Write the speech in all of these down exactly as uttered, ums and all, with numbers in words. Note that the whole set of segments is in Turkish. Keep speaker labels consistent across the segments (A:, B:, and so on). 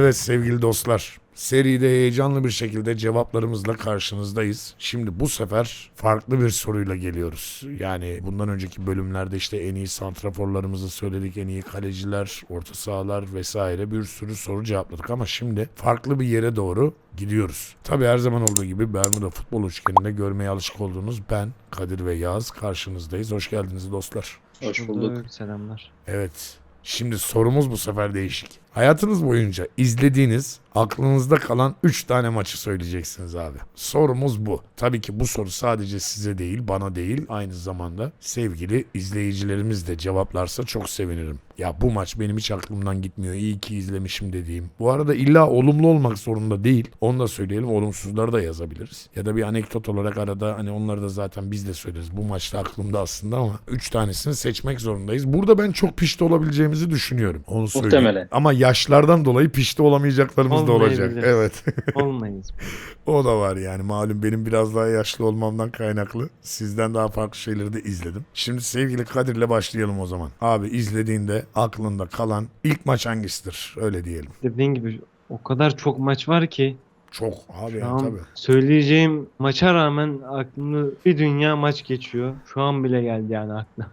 A: Evet sevgili dostlar, seride heyecanlı bir şekilde cevaplarımızla karşınızdayız. Şimdi bu sefer farklı bir soruyla geliyoruz. Yani bundan önceki bölümlerde işte en iyi santraforlarımızı söyledik, en iyi kaleciler, orta sahalar vesaire bir sürü soru cevapladık ama şimdi farklı bir yere doğru gidiyoruz. Tabii her zaman olduğu gibi Bermuda futbol üçgeninde görmeye alışık olduğunuz ben, Kadir ve Yağız karşınızdayız. Hoş geldiniz dostlar.
B: Hoş bulduk.
C: Selamlar.
A: Evet. Şimdi sorumuz bu sefer değişik. Hayatınız boyunca izlediğiniz, aklınızda kalan üç tane maçı söyleyeceksiniz abi. Sorumuz bu. Tabii ki bu soru sadece size değil, bana değil, aynı zamanda sevgili izleyicilerimiz de cevaplarsa çok sevinirim. Ya bu maç benim hiç aklımdan gitmiyor. İyi ki izlemişim dediğim. Bu arada illa olumlu olmak zorunda değil. Onu da söyleyelim. Olumsuzları da yazabiliriz. Ya da bir anekdot olarak arada hani onları da zaten biz de söyleriz. Bu maçta aklımda aslında ama üç tanesini seçmek zorundayız. Burada ben çok pişti olabileceğimizi düşünüyorum. Onu söyleyeyim.
B: Muhtemelen.
A: Ama yaşlardan dolayı pişti olamayacaklarımız da olacak.
C: Olmayabilir.
A: Evet.
C: Olmayız.
A: O da var yani. Malum benim biraz daha yaşlı olmamdan kaynaklı. Sizden daha farklı şeyleri de izledim. Şimdi sevgili Kadir'le başlayalım o zaman. Abi izlediğinde aklında kalan ilk maç hangisidir? Öyle diyelim.
C: Dediğin gibi o kadar çok maç var ki
A: Çok abi
C: şu
A: yani
C: an
A: tabii.
C: söyleyeceğim maça rağmen aklımda bir dünya maç geçiyor. Şu an bile geldi yani aklıma.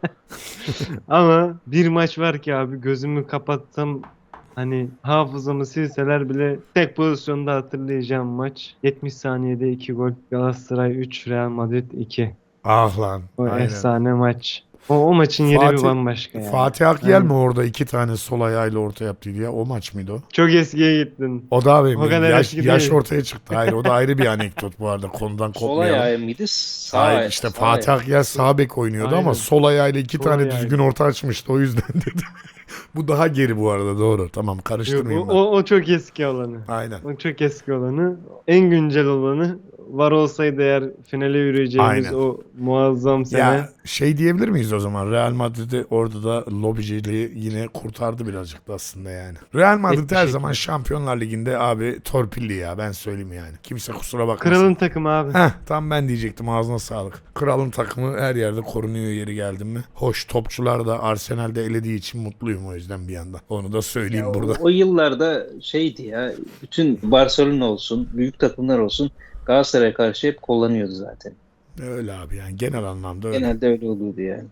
C: Ama bir maç var ki abi gözümü kapatsam hani hafızamı silseler bile tek pozisyonda hatırlayacağım maç. yetmiş saniyede iki gol. Galatasaray üç, Real Madrid iki.
A: Ah lan.
C: O
A: Aynen.
C: efsane maç. O, o maçın yeri
A: Fatih-
C: bir bambaşka yani.
A: Fatih Akyel
C: Aynen.
A: mi orada iki tane sol ayağıyla orta yaptıydı ya? O maç mıydı o?
C: Çok eskiye gittin.
A: O da benim
C: O kadar
A: yaş,
C: eski
A: yaş
C: değil.
A: ortaya çıktı. Hayır o da ayrı bir anekdot bu arada. Konudan
B: Sol
A: kopmayalım.
B: ayağı mıydı? Sağ
A: Hayır
B: ayağı-
A: işte
B: sağ
A: Fatih
B: ayağı.
A: Akyel sağ bek oynuyordu
C: Aynen.
A: ama sol ayağıyla iki
C: Sol
A: tane
C: ayağıyla.
A: düzgün orta açmıştı o yüzden dedi. Bu daha geri bu arada doğru. Tamam
C: Yok,
A: karıştırmayayım
C: o,
A: ben.
C: o, o çok eski olanı.
A: Aynen.
C: O çok eski olanı. En güncel olanı var olsaydı eğer finale yürüyeceğimiz
A: Aynen.
C: o muazzam sene.
A: Ya şey diyebilir miyiz o zaman? Real Madrid'i orada da lobiciliği yine kurtardı birazcık da aslında yani. Real Madrid
C: Net bir
A: her
C: şekilde.
A: zaman Şampiyonlar Ligi'nde abi torpilli ya ben söyleyeyim yani. Kimse kusura bakmasın.
C: Kralın takımı abi.
A: Heh, tam ben diyecektim ağzına sağlık. Kralın takımı her yerde korunuyor yeri geldim mi. Hoş topçular da Arsenal'de elediği için mutluyum o yüzden bir yandan. Onu da söyleyeyim
B: Ya
A: burada.
B: o, o yıllarda şeydi ya, bütün Barcelona olsun, büyük takımlar olsun Galatasaray'a karşı hep kullanıyordu zaten.
A: Öyle abi yani genel anlamda öyle.
B: Genelde öyle oluyordu yani.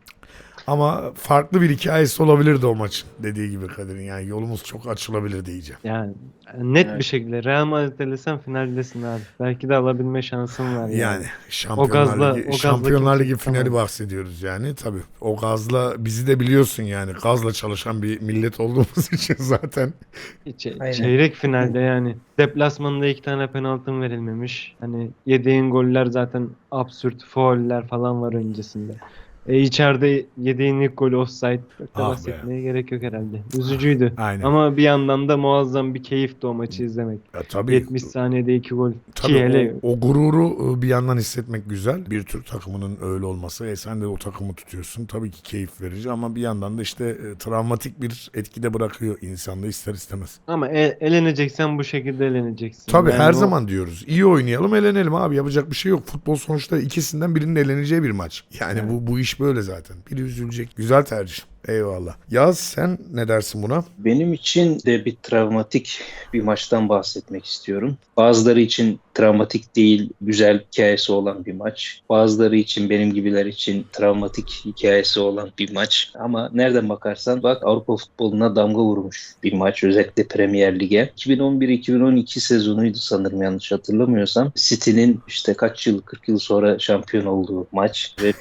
A: Ama farklı bir hikayesi olabilirdi o maçın dediği gibi Kadir'in yani yolumuz çok açılabilir diyeceğim.
C: Yani net
B: Evet.
C: bir şekilde Real Madrid elesen finaldesin abi. Belki de alabilme şansın var yani.
A: Yani Şampiyonlar
C: O gazla-
A: Ligi,
C: o gazla
A: Şampiyonlar
C: kimse
A: Ligi finali
C: tutamaz.
A: bahsediyoruz yani tabii. O gazla bizi de biliyorsun yani gazla çalışan bir millet olduğumuz için zaten.
C: Ç-
B: Aynen.
C: çeyrek finalde yani deplasmanda iki tane penaltın verilmemiş. Hani yediğin goller zaten absürt fauller falan var öncesinde. E içeride yediğin ilk gol offside. Çok da
A: Ah be.
C: bahsetmeye gerek yok herhalde. Üzücüydü.
A: Aynen.
C: Ama bir yandan da muazzam bir keyifti o maçı izlemek.
A: Ya tabii.
C: yetmiş saniyede iki gol. Ki
A: Tabii
C: hele
A: o, o gururu bir yandan hissetmek güzel. Bir Türk takımının öyle olması. E sen de o takımı tutuyorsun. Tabii ki keyif verici ama bir yandan da işte e, travmatik bir etkide bırakıyor insanda ister istemez.
C: ama e- eleneceksen bu şekilde eleneceksin.
A: Tabii
C: Yani
A: her
C: o-
A: zaman diyoruz. İyi oynayalım, elenelim abi. Yapacak bir şey yok. Futbol sonuçta ikisinden birinin eleneceği bir maç. Yani
C: Evet.
A: bu bu iş böyle zaten. Biri üzülecek. Güzel tercih. Eyvallah. Yaz sen ne dersin buna?
B: Benim için de bir travmatik bir maçtan bahsetmek istiyorum. Bazıları için travmatik değil, güzel hikayesi olan bir maç. Bazıları için, benim gibiler için travmatik hikayesi olan bir maç. Ama nereden bakarsan bak Avrupa futboluna damga vurmuş bir maç. Özellikle Premier Lig'e. iki bin on bir iki bin on iki sezonuydu sanırım yanlış hatırlamıyorsam. City'nin işte kaç yıl, kırk yıl sonra şampiyon olduğu maç. Ve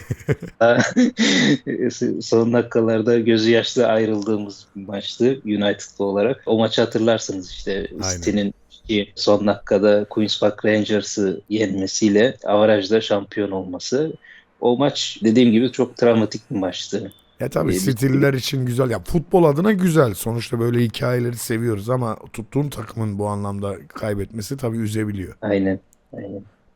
B: son dakikalarda gözü yaşlı ayrıldığımız bir maçtı United'lı olarak. O maçı hatırlarsınız işte
A: Aynen.
B: City'nin ki son dakikada Queen's Park Rangers'ı yenmesiyle avarajda şampiyon olması. O maç dediğim gibi çok travmatik bir maçtı.
A: Ya tabii
B: Ee,
A: stiller için güzel. Ya futbol adına güzel. Sonuçta böyle hikayeleri seviyoruz ama tuttuğun takımın bu anlamda kaybetmesi tabii üzebiliyor.
B: Aynen. Aynen.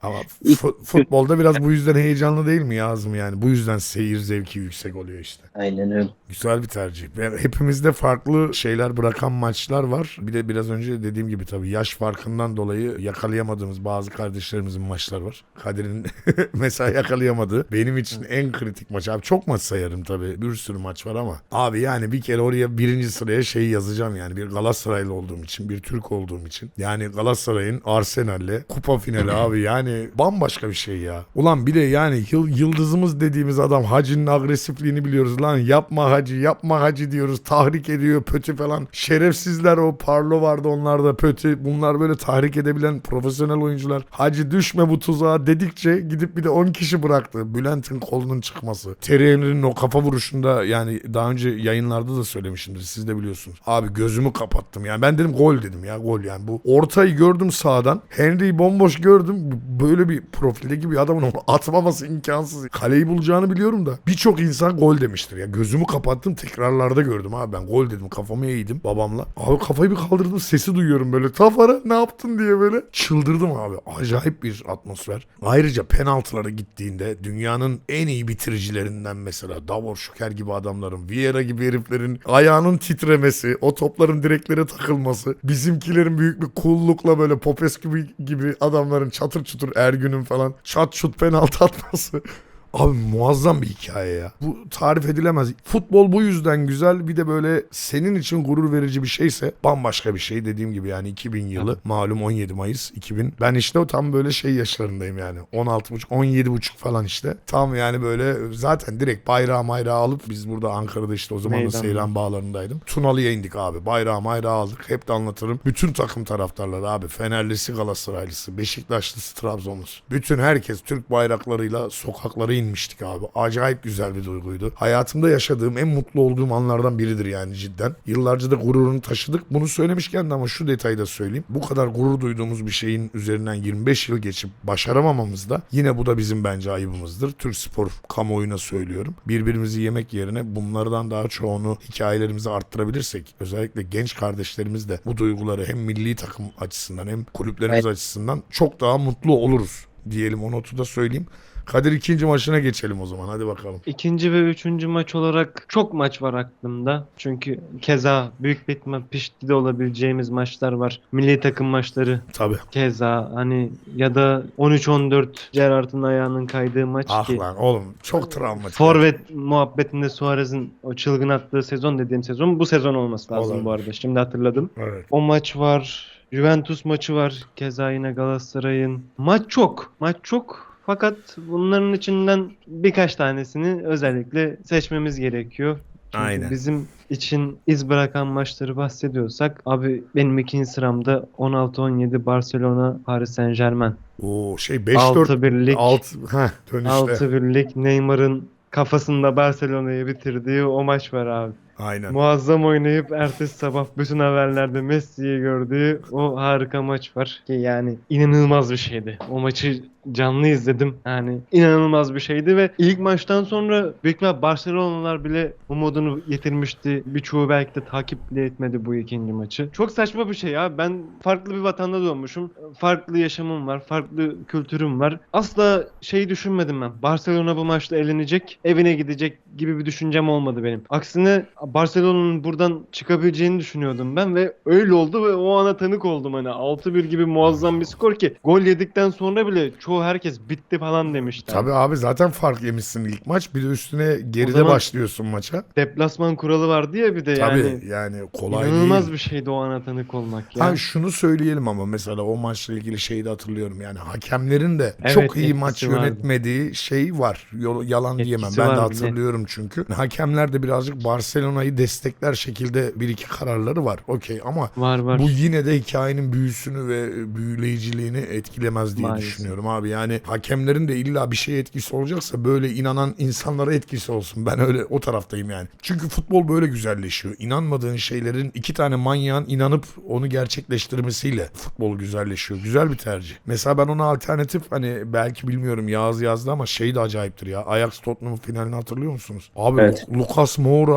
A: Ama
B: İlk-
A: fu- futbolda biraz bu yüzden heyecanlı değil mi Yazım yani? Bu yüzden seyir zevki yüksek oluyor işte.
B: Aynen öyle.
A: Güzel bir tercih. Ve hepimizde farklı şeyler bırakan maçlar var. Bir de biraz önce dediğim gibi tabii yaş farkından dolayı yakalayamadığımız bazı kardeşlerimizin maçları var. Kadir'in mesela yakalayamadığı. Benim için en kritik maç. Abi çok maç sayarım tabii. Bir sürü maç var ama. Abi yani bir kere oraya birinci sıraya şeyi yazacağım yani. Bir Galatasaraylı olduğum için, bir Türk olduğum için. Yani Galatasaray'ın Arsenal'le kupa finali abi yani bambaşka bir şey ya. Ulan bir de yani yıl, yıldızımız dediğimiz adam Hacı'nın agresifliğini biliyoruz. Lan yapma Hacı, yapma Hacı diyoruz. Tahrik ediyor, pötü falan. Şerefsizler, o Parlo vardı, onlar da pötü. Bunlar böyle tahrik edebilen profesyonel oyuncular. Hacı düşme bu tuzağa dedikçe gidip bir de on kişi bıraktı. Bülent'in kolunun çıkması. Terry Henry'nin o kafa vuruşunda, yani daha önce yayınlarda da söylemişimdir. Siz de biliyorsunuz. Abi gözümü kapattım. Yani ben dedim gol dedim ya, gol yani. Bu ortayı gördüm sağdan. Henry'yi bomboş gördüm. Böyle bir profildeki bir adamın onu atmaması imkansız. Kaleyi bulacağını biliyorum da. Birçok insan gol demiştir ya. Gözümü kapattım, tekrarlarda gördüm abi, ben gol dedim, kafamı eğdim babamla. Abi kafayı bir kaldırdım, sesi duyuyorum böyle. Tafara ne yaptın diye böyle. Çıldırdım abi. Acayip bir atmosfer. Ayrıca penaltılara gittiğinde dünyanın en iyi bitiricilerinden mesela Davor Şuker gibi adamların, Vieira gibi heriflerin ayağının titremesi, o topların direklere takılması, bizimkilerin büyük bir cool'lukla böyle Popescu gibi, gibi adamların çatır çutur, Ergün'ün falan şat şut penaltı atması. Abi muazzam bir hikaye ya. Bu tarif edilemez. Futbol bu yüzden güzel. Bir de böyle senin için gurur verici bir şeyse bambaşka bir şey. Dediğim gibi yani iki bin yılı, malum on yedi Mayıs iki bin. Ben işte o tam böyle şey yaşlarındayım yani. on altı buçuk on yedi buçuk falan işte. Tam yani böyle zaten direkt bayrağı mayrağı alıp, biz burada Ankara'da işte o zaman da
C: Meydan.
A: Seyran Bağları'ndaydım. Tunalı'ya indik abi. Bayrağı mayrağı aldık. Hep de anlatırım. Bütün takım taraftarları abi. Fenerlisi, Galatasaraylısı, Beşiktaşlısı, Trabzonlusu. Bütün herkes Türk bayraklarıyla sokaklara inmiştik abi. Acayip güzel bir duyguydu. Hayatımda yaşadığım en mutlu olduğum anlardan biridir yani cidden. Yıllarca da gururunu taşıdık. Bunu söylemişken de ama şu detayı da söyleyeyim. Bu kadar gurur duyduğumuz bir şeyin üzerinden yirmi beş yıl geçip başaramamamız da yine bu da bizim bence ayıbımızdır. Türk spor kamuoyuna söylüyorum. Birbirimizi yemek yerine bunlardan daha çoğunu, hikayelerimizi arttırabilirsek, özellikle genç kardeşlerimiz de bu duyguları hem milli takım açısından hem kulüplerimiz açısından çok daha mutlu oluruz diyelim. O notu da söyleyeyim. Kadir, ikinci maçına geçelim o zaman. Hadi bakalım.
C: İkinci ve üçüncü maç olarak çok maç var aklımda. Çünkü keza büyük bir ihtimal pişti olabileceğimiz maçlar var. Milli takım maçları
A: Tabii.
C: keza, hani ya da on üç on dört Gerrard'ın ayağının kaydığı maç
A: Ah
C: ki
A: lan oğlum, çok travmatik.
C: forvet muhabbetinde Suarez'in o çılgın attığı sezon dediğim sezon bu sezon olması lazım
A: Olabilir.
C: bu arada. Şimdi hatırladım.
A: Evet.
C: O maç var. Juventus maçı var. Keza yine Galatasaray'ın. Maç çok. Maç çok. Fakat bunların içinden birkaç tanesini özellikle seçmemiz gerekiyor. Çünkü
A: Aynen.
C: bizim için iz bırakan maçları bahsediyorsak abi benim ikinci sıramda on altı on yedi Barcelona Paris Saint-Germain.
A: Oo şey beş dört
C: altı birlik
A: altı heh, dönüşte.
C: altı birlik Neymar'ın kafasında Barcelona'yı bitirdiği o maç var abi.
A: Aynen.
C: Muazzam oynayıp ertesi sabah bütün haberlerde Messi'yi gördüğü o harika maç var ki yani inanılmaz bir şeydi. O maçı canlı izledim. Yani inanılmaz bir şeydi ve ilk maçtan sonra büyük ihtimal Barcelonalılar bile umudunu yitirmişti. Birçoğu belki de takip bile etmedi bu ikinci maçı. Çok saçma bir şey ya. Ben farklı bir vatanda doğmuşum. Farklı yaşamım var. Farklı kültürüm var. Asla şey düşünmedim ben. Barcelona bu maçta elenecek, evine gidecek gibi bir düşüncem olmadı benim. Aksine Barcelona'nın buradan çıkabileceğini düşünüyordum ben ve öyle oldu ve o ana tanık oldum. Hani altı bir gibi muazzam bir skor ki gol yedikten sonra bile çoğu herkes bitti falan demişti.
A: Tabii abi, zaten fark yemişsin ilk maç. Bir de üstüne geride
C: zaman
A: başlıyorsun maça.
C: Deplasman kuralı vardı ya bir de
A: Tabii
C: yani.
A: yani kolay
C: İnanılmaz
A: değil.
C: bir şeydi o ana tanık olmak ya.
A: Ha şunu söyleyelim ama mesela o maçla ilgili şeyi de hatırlıyorum. Yani hakemlerin de
C: Evet,
A: çok iyi
C: etkisi
A: maç
C: vardı.
A: yönetmediği şey var. Yol- Yalan
C: Etkisi
A: diyemem. Ben de
C: var bir de.
A: hatırlıyorum çünkü. Hakemler de birazcık Barcelona'yı destekler şekilde bir iki kararları var. Okey ama
C: Var var.
A: bu yine de hikayenin büyüsünü ve büyüleyiciliğini etkilemez diye
C: Maalesef.
A: düşünüyorum abi. Yani hakemlerin de illa bir şeye etkisi olacaksa böyle inanan insanlara etkisi olsun. Ben öyle o taraftayım yani. Çünkü futbol böyle güzelleşiyor. İnanmadığın şeylerin iki tane manyağın inanıp onu gerçekleştirmesiyle futbol güzelleşiyor. Güzel bir tercih. Mesela ben ona alternatif, hani belki bilmiyorum Yağız yazdı ama şey de acayiptir ya. Ajax Tottenham finalini hatırlıyor musunuz? Abi
B: Evet.
A: Lucas Moura mesela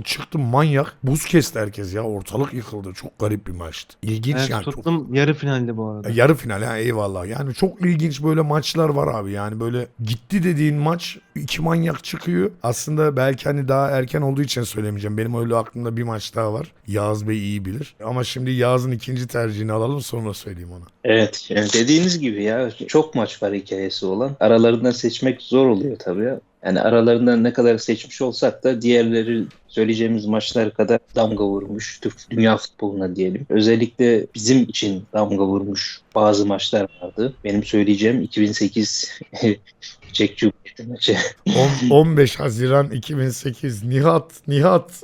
A: çıktı manyak. Buz kesti herkes ya. Ortalık yıkıldı. Çok garip bir maçtı. İlginç
C: Evet,
A: yani. Çok...
C: Tottenham yarı finalde bu arada.
A: Yarı final ha, eyvallah. Yani çok ilginç böyle maçlar var abi. Yani böyle gitti dediğin maç iki manyak çıkıyor. Aslında belki hani daha erken olduğu için söylemeyeceğim. Benim öyle aklımda bir maç daha var. Yağız Bey iyi bilir. Ama şimdi Yağız'ın ikinci tercihini alalım sonra söyleyeyim ona.
B: Evet, yani dediğiniz gibi ya çok maç var hikayesi olan. Aralarından seçmek zor oluyor tabii ya. Yani aralarından ne kadar seçmiş olsak da diğerleri söyleyeceğimiz maçlar kadar damga vurmuş Türk dünya futboluna diyelim. Özellikle bizim için damga vurmuş bazı maçlar vardı. Benim söyleyeceğim iki bin sekiz Çek Cumhuriyeti maçı.
A: On- on beş Haziran iki bin sekiz Nihat Nihat.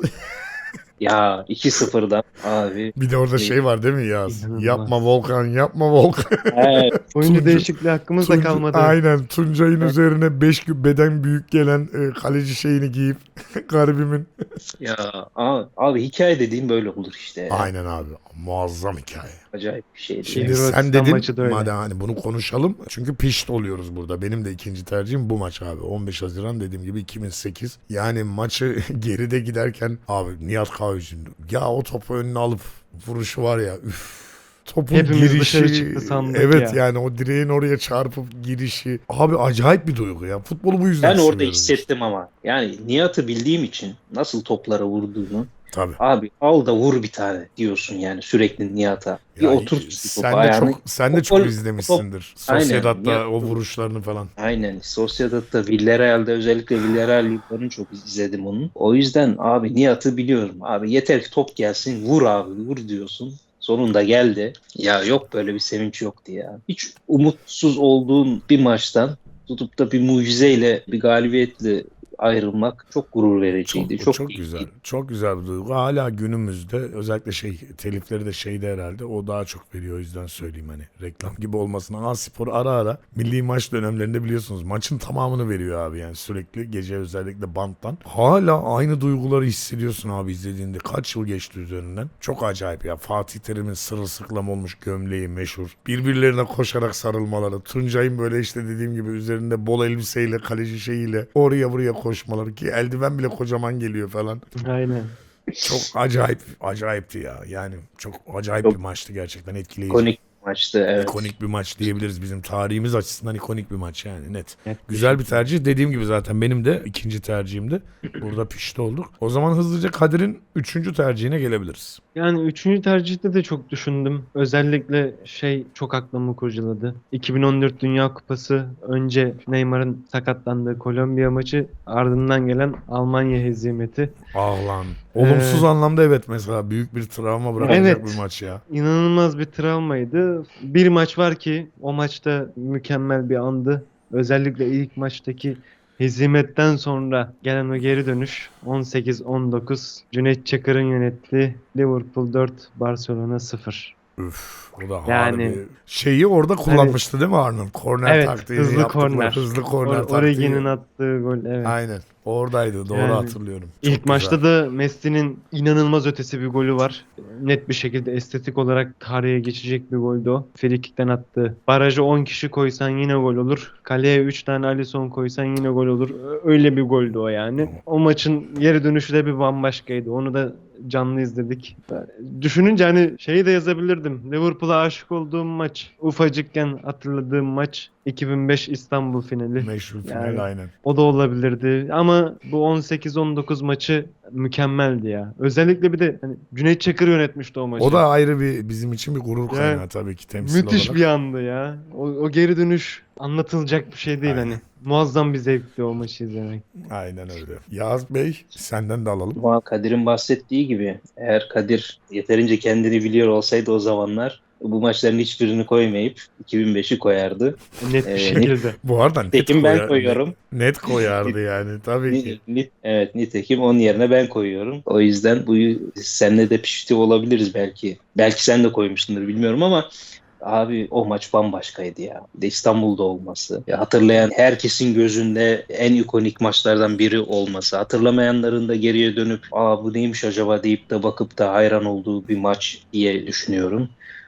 B: Ya iki sıfırdan abi.
A: Bir de orada şey var değil mi Yağız?
C: İnanılmaz.
A: Yapma Volkan, yapma Volkan.
B: Evet,
C: Oyuncu
A: Tuncu-
C: değişikliği hakkımız da
A: Tunca-
C: kalmadı.
A: Aynen. Tuncay'ın üzerine beş beden büyük gelen e, kaleci şeyini giyip garibimin.
B: ya abi, abi hikaye dediğim böyle olur işte. ya.
A: Aynen abi. Muazzam hikaye.
B: Acayip bir şeydi.
A: Şimdi
C: Hırvatistan
A: sen dedin
C: maçı da öyle.
A: madem hani bunu konuşalım. Çünkü pişt oluyoruz burada. Benim de ikinci tercihim bu maç abi. on beş Haziran dediğim gibi iki bin sekiz. Yani maçı geride giderken abi Nihat Kahveci'nin ya o topu önüne alıp vuruşu var ya üf. Topun
C: Hepimiz
A: girişi,
C: dışarı çıktı sandık
A: evet
C: ya.
A: yani o direğin oraya çarpıp girişi. Abi acayip bir duygu ya. Futbolu bu yüzden
B: Ben orada
A: seviyoruz
B: hissettim ama. Yani Nihat'ı bildiğim için nasıl toplara vurduğunu.
A: Tabii.
B: Abi al da vur bir tane diyorsun yani sürekli Nihat'a. Bir
A: Ya,
B: otur topu
A: sen de
B: ayağını.
A: çok sen de
B: O
A: çok
B: gol-
A: izlemişsindir.
B: Aynen.
A: Sociedad'da
B: Ya-
A: o vuruşlarını falan.
B: Aynen. Sociedad'da, Villarreal'de özellikle Villarreal yıllarını çok izledim onun. O yüzden abi Nihat'ı biliyorum. Abi yeter ki top gelsin vur abi vur diyorsun. Sonunda geldi. Ya yok böyle bir sevinç yoktu ya. Hiç umutsuz olduğun bir maçtan tutup da bir mucizeyle, bir galibiyetle ayrılmak çok gurur vericiydi.
A: Çok,
B: Çok,
A: çok
B: iyi.
A: güzel. Çok güzel bir duygu. Hala günümüzde özellikle şey telifleri de şeyde herhalde o daha çok veriyor o yüzden söyleyeyim hani reklam gibi olmasına. A Spor ara ara milli maç dönemlerinde biliyorsunuz maçın tamamını veriyor abi yani sürekli gece özellikle banttan. Hala aynı duyguları hissediyorsun abi izlediğinde. Kaç yıl geçti üzerinden. Çok acayip ya. Fatih Terim'in sırılsıklam olmuş gömleği meşhur. Birbirlerine koşarak sarılmaları. Tuncay'ın böyle işte dediğim gibi üzerinde bol elbiseyle kaleci şeyiyle oraya buraya koşmaları ki eldiven bile kocaman geliyor falan.
C: Aynen.
A: Çok acayip acayipti ya. Yani çok acayip
B: Çok
A: bir maçtı gerçekten etkileyici.
B: İkonik bir maçtı evet.
A: İkonik bir maç diyebiliriz bizim tarihimiz açısından ikonik bir maç yani net.
C: Net bir
A: Güzel
C: şey.
A: bir tercih dediğim gibi zaten benim de ikinci tercihimdi. Burada pişti olduk. O zaman hızlıca Kadir'in üçüncü tercihine gelebiliriz.
C: Yani üçüncü tercihte de çok düşündüm. Özellikle şey çok aklımı kurcaladı. iki bin on dört Dünya Kupası önce Neymar'ın sakatlandığı Kolombiya maçı ardından gelen Almanya hezimeti.
A: Ah lan. Olumsuz
C: Ee,
A: anlamda evet mesela büyük bir travma bırakacak
C: Evet.
A: bir maç ya.
C: İnanılmaz bir travmaydı. Bir maç var ki o maçta mükemmel bir andı. Özellikle ilk maçtaki hezimetten sonra gelen o geri dönüş on sekiz on dokuz Cüneyt Çakır'ın yönettiği Liverpool dört Barcelona sıfır.
A: Üf, o da
C: Yani-
A: harbi. Şeyi orada kullanmıştı değil mi Arnold? Korner
C: Evet,
A: taktiği
C: hızlı
A: yaptıkları,
C: korner.
A: Hızlı korner
C: Or-
A: taktiği.
C: Origi'nin attığı gol, evet.
A: Aynen. Oradaydı. Doğru
C: Yani
A: hatırlıyorum. Çok
C: İlk
A: güzel.
C: maçta da Messi'nin inanılmaz ötesi bir golü var. Net bir şekilde estetik olarak tarihe geçecek bir goldü o. Frikikten attı. Barajı on kişi koysan yine gol olur. Kaleye üç tane Alisson koysan yine gol olur. Öyle bir goldü o yani. O maçın geri dönüşü de bir bambaşkaydı. Onu da canlı izledik. Düşününce hani şeyi de yazabilirdim. Liverpool'a aşık olduğum maç. Ufacıkken hatırladığım maç. iki bin beş İstanbul finali.
A: Meşhur final
C: Yani-
A: aynen.
C: O da olabilirdi ama bu on sekiz on dokuz maçı mükemmeldi ya. Özellikle bir de hani Cüneyt Çakır yönetmişti o maçı.
A: O da ayrı bir bizim için bir gurur kaynağı
C: Yani
A: tabii ki temsil
C: müthiş
A: olarak.
C: bir andı ya. O, o geri dönüş anlatılacak bir şey değil
A: Aynen.
C: hani. Muazzam bir zevkti o maçı izlemek.
A: Aynen öyle. Yağız Bey senden de alalım.
B: Ama Kadir'in bahsettiği gibi eğer Kadir yeterince kendini biliyor olsaydı o zamanlar bu maçların hiçbirini koymayıp iki bin beşi koyardı.
C: Net bir
B: Ee,
C: şekilde.
A: Bu arada net,
B: Nitekim ben
A: koyar-
B: koyuyorum.
A: Net koyardı yani tabii ki.
B: Ni- ni- evet nitekim onun yerine ben koyuyorum. O yüzden bu senle de pişti olabiliriz belki. Belki sen de koymuşsundur bilmiyorum ama abi o maç bambaşkaydı ya. Bir de İstanbul'da olması. Ya hatırlayan herkesin gözünde en ikonik maçlardan biri olması. Hatırlamayanların da geriye dönüp aa bu neymiş acaba deyip de bakıp da hayran olduğu bir maç diye düşünüyorum.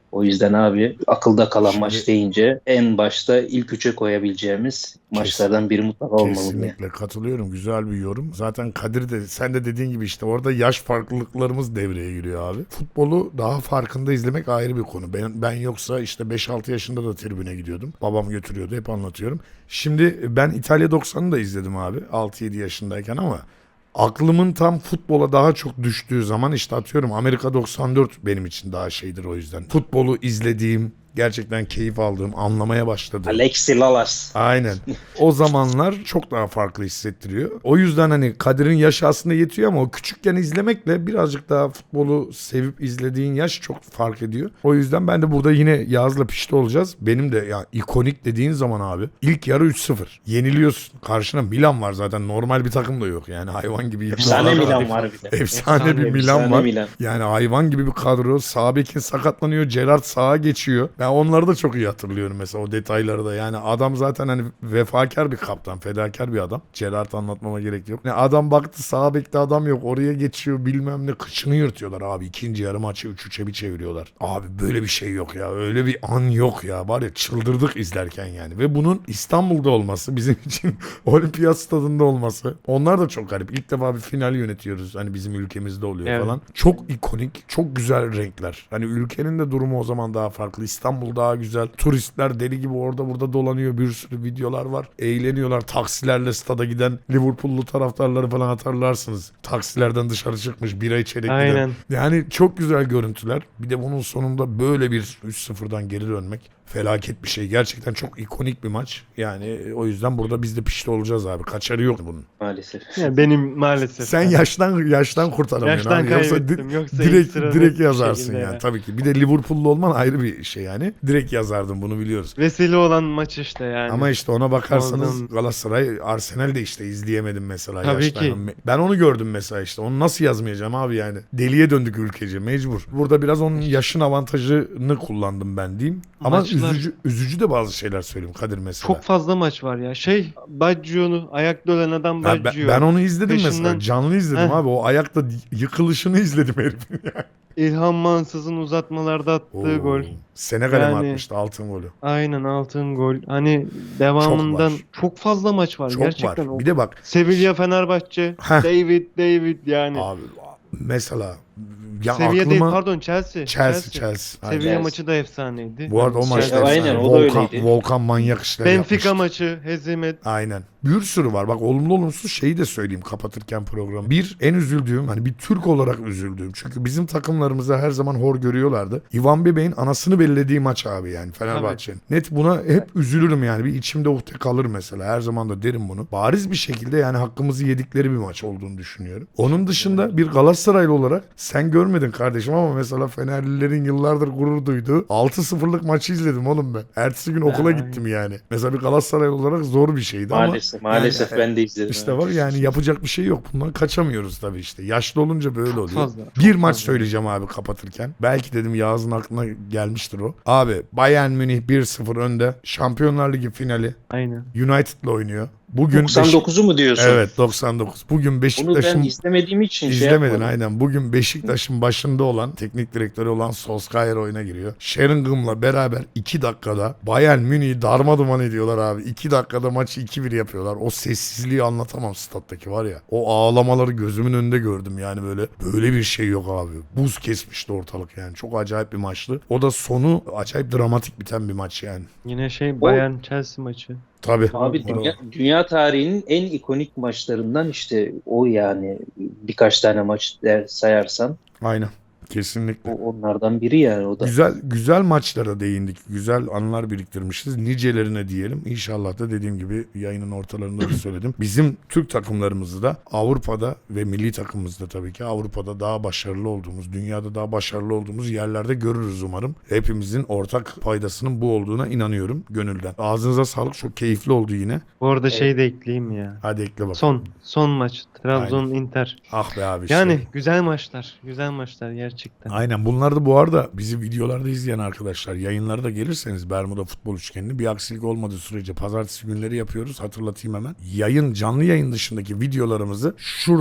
B: O yüzden abi akılda kalan
A: Şimdi-
B: maç deyince en başta ilk üçe koyabileceğimiz maçlardan biri mutlaka olmalı diye.
A: Kesinlikle katılıyorum. Güzel bir yorum. Zaten Kadir de sen de dediğin gibi işte orada yaş farklılıklarımız devreye giriyor abi. Futbolu daha farkında izlemek ayrı bir konu. Ben, ben yoksa işte beş altı yaşında da tribüne gidiyordum. Babam götürüyordu, hep anlatıyorum. Şimdi ben İtalya doksanı da izledim abi altı yedi yaşındayken ama aklımın tam futbola daha çok düştüğü zaman işte atıyorum Amerika doksan dört benim için daha şeydir o yüzden. Futbolu izlediğim, gerçekten keyif aldığım, anlamaya başladığım.
B: Alexi Lalas.
A: Aynen. O zamanlar çok daha farklı hissettiriyor. O yüzden hani Kadir'in yaşı aslında yetiyor ama o küçükken izlemekle birazcık daha futbolu sevip izlediğin yaş çok fark ediyor. O yüzden ben de burada yine Yağız'la pişti olacağız. Benim de ya ikonik dediğin zaman abi ilk yarı üç sıfır. Yeniliyorsun. Karşına Milan var zaten. Normal bir takım da yok. Yani hayvan gibi.
B: Efsane
A: Milan
B: Milan
A: var.
B: var bir de.
A: Efsane bir
C: Efsane,
A: Milan
B: efsane
A: var.
B: Milan.
A: Yani hayvan gibi bir kadro. Sağ bekin sakatlanıyor. Gerrard sağa geçiyor. Ben onları da çok iyi hatırlıyorum mesela o detayları da. Yani adam zaten hani vefakar bir kaptan. Fedakar bir adam. Gerrard anlatmama gerek yok. Yani adam baktı sağ bekte adam yok. Oraya geçiyor bilmem ne. Kıçını yırtıyorlar abi. İkinci yarı maçı üç üçe bir çeviriyorlar. Abi böyle bir şey yok ya. Öyle bir an yok ya. Var ya çıldırdık izlerken yani. Ve bunun İstanbul'da olması bizim için olimpiyat stadında olması. Onlar da çok garip. İlk defa bir final yönetiyoruz. Hani bizim ülkemizde oluyor
C: Evet.
A: falan. Çok ikonik. Çok güzel renkler. Hani ülkenin de durumu o zaman daha farklı. İstanbul daha güzel. Turistler deli gibi orada burada dolanıyor. Bir sürü videolar var. Eğleniyorlar. Taksilerle stada giden Liverpool'lu taraftarları falan hatırlarsınız. Taksilerden dışarı çıkmış bira içerek giden.
C: Aynen.
A: Yani çok güzel görüntüler. Bir de bunun sonunda böyle bir üç sıfırdan geri dönmek felaket bir şey. Gerçekten çok ikonik bir maç. Yani o yüzden burada biz de pişti olacağız abi. Kaçarı yok bunun.
B: Maalesef.
C: Yani benim maalesef.
A: Sen yaştan yaştan kurtaramıyorsun
C: Yaştan
A: abi. Yoksa
C: kaybettim.
A: di-
C: Yoksa ilk
A: direkt
C: sırada
A: direkt
C: bir
A: yazarsın
C: şekilde
A: yani
C: ya.
A: tabii ki. Bir de Liverpool'lu olman ayrı bir şey yani. Direkt yazardın bunu biliyoruz.
C: Vesile olan maç işte yani.
A: Ama işte ona bakarsanız
C: Oradan-
A: Galatasaray, Arsenal de işte izleyemedim mesela.
C: Tabii
A: yaştan.
C: ki.
A: Ben onu gördüm mesela işte. Onu nasıl yazmayacağım abi yani. Deliye döndük ülkece mecbur. Burada biraz onun yaşın avantajını kullandım ben diyeyim. Ama
C: Maçlar-
A: üzücü üzücü de bazı şeyler söyleyeyim Kadir mesela.
C: Çok fazla maç var ya. Şey Baggio'nu ayakta ölen adam
A: Ha, ben,
C: Baggio.
A: ben onu izledim mesela.
C: Peşinden-
A: Canlı izledim
C: Heh.
A: abi. O ayakta yıkılışını izledim herifin.
C: İlhan Mansız'ın uzatmalarda attığı
A: Oo.
C: gol.
A: Senegal'e mi
C: Yani-
A: atmıştı altın golü?
C: Aynen altın gol. Hani devamından
A: Çok
C: çok,
A: var.
C: fazla maç var.
A: Çok
C: Gerçekten
A: var.
C: o.
A: Bir de bak
C: Sevilla Fenerbahçe.
A: Heh.
C: David David yani.
A: abi mesela ya
C: Seviye
A: aklıma
C: değil pardon Chelsea.
A: Chelsea Chelsea. Aynen.
C: Sevilla
B: Chelsea.
C: maçı da efsaneydi.
A: Bu arada o
C: Yani
A: maçta
B: Aynen,
A: efsane.
B: o da
A: Volkan,
B: öyleydi.
A: Volkan manyak işler
C: Benfica
A: yapmıştı.
C: maçı hezimet.
A: Aynen. Bir sürü var. Bak olumlu olumsuz şeyi de söyleyeyim kapatırken programı. Bir en üzüldüğüm hani bir Türk olarak üzüldüğüm. Çünkü bizim takımlarımızı her zaman hor görüyorlardı. Ivan Bebek'in anasını bellediği maç abi yani Fenerbahçe'nin. Net buna hep üzülürüm yani. Bir içimde uhde kalır mesela. Her zaman da derim bunu. Bariz bir şekilde yani hakkımızı yedikleri bir maç olduğunu düşünüyorum. Onun dışında bir Galatasaraylı olarak sen görmedin kardeşim ama mesela Fenerlilerin yıllardır gurur duyduğu altı sıfırlık maçı izledim oğlum ben. Ertesi gün okula
C: Ay.
A: gittim yani. Mesela bir Galatasaray olarak zor bir şeydi ama
B: Maalesef. Maalesef
A: yani,
B: ben de izledim.
A: işte
B: evet.
A: var yani yapacak bir şey yok. Bundan kaçamıyoruz tabii işte. Yaşlı olunca böyle
C: Çok
A: oluyor.
C: fazla,
A: bir
C: çok
A: maç
C: fazla.
A: söyleyeceğim abi kapatırken. Belki dedim Yağız'ın aklına gelmiştir o. Abi Bayern Münih bir sıfır önde. Şampiyonlar Ligi finali.
C: Aynen.
A: United'la oynuyor. Bugün
B: doksan dokuzu mu diyorsun?
A: Evet doksan dokuz. Bugün
B: Bunu ben
A: Beşiktaş'ın
B: izlemediğim için şey
A: İzlemedin
B: yapmadım.
A: aynen. Bugün Beşiktaş'ın başında olan, teknik direktörü olan Solskjaer oyuna giriyor. Sheringham'la beraber iki dakikada Bayern Münih'i darmaduman ediyorlar abi. iki dakikada maçı iki bir yapıyorlar. O sessizliği anlatamam stat'taki var ya. O ağlamaları gözümün önünde gördüm yani böyle. Böyle bir şey yok abi. Buz kesmişti ortalık yani. Çok acayip bir maçtı. O da sonu acayip dramatik biten bir maç yani.
C: Yine şey Bayern Chelsea maçı.
A: Tabii.
B: Abi
A: O-
B: dünya, dünya tarihinin en ikonik maçlarından işte o yani birkaç tane maç der sayarsan
A: Aynen. Kesinlikle.
B: o onlardan biri yani o da.
A: Güzel güzel maçlara değindik. Güzel anılar biriktirmişiz. Nicelerine diyelim. İnşallah da dediğim gibi yayının ortalarında da söyledim. Bizim Türk takımlarımızı da Avrupa'da ve milli takımımızda tabii ki Avrupa'da daha başarılı olduğumuz, dünyada daha başarılı olduğumuz yerlerde görürüz umarım. Hepimizin ortak paydasının bu olduğuna inanıyorum gönülden. Ağzınıza sağlık. Çok keyifli oldu yine.
C: Bu arada şey de ekleyeyim ya.
A: Hadi ekle bakalım.
C: Son son maç Trabzon Inter.
A: Ah be abi. işte.
C: Yani güzel maçlar. Güzel maçlar gerçekten.
A: Aynen bunlar da bu arada bizi videolarda izleyen arkadaşlar yayınlara da gelirseniz Bermuda Futbol Üçgeni'ni bir aksilik olmadığı sürece pazartesi günleri yapıyoruz hatırlatayım hemen. Yayın canlı yayın dışındaki videolarımızı şuradan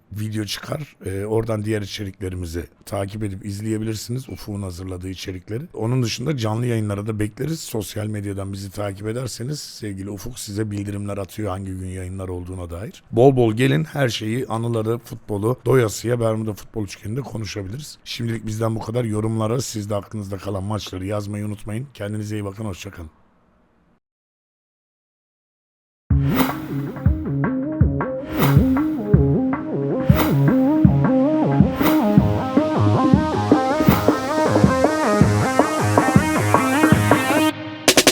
A: video çıkar. Ee, oradan diğer içeriklerimizi takip edip izleyebilirsiniz. Ufuk'un hazırladığı içerikleri. Onun dışında canlı yayınlara da bekleriz. Sosyal medyadan bizi takip ederseniz sevgili Ufuk size bildirimler atıyor hangi gün yayınlar olduğuna dair. Bol bol gelin, her şeyi, anıları, futbolu doyasıya Bermuda Futbol Üçgeni'nde konuşabiliriz. Şimdilik bizden bu kadar. Yorumlara siz de aklınızda kalan maçları yazmayı unutmayın. Kendinize iyi bakın. Hoşçakalın.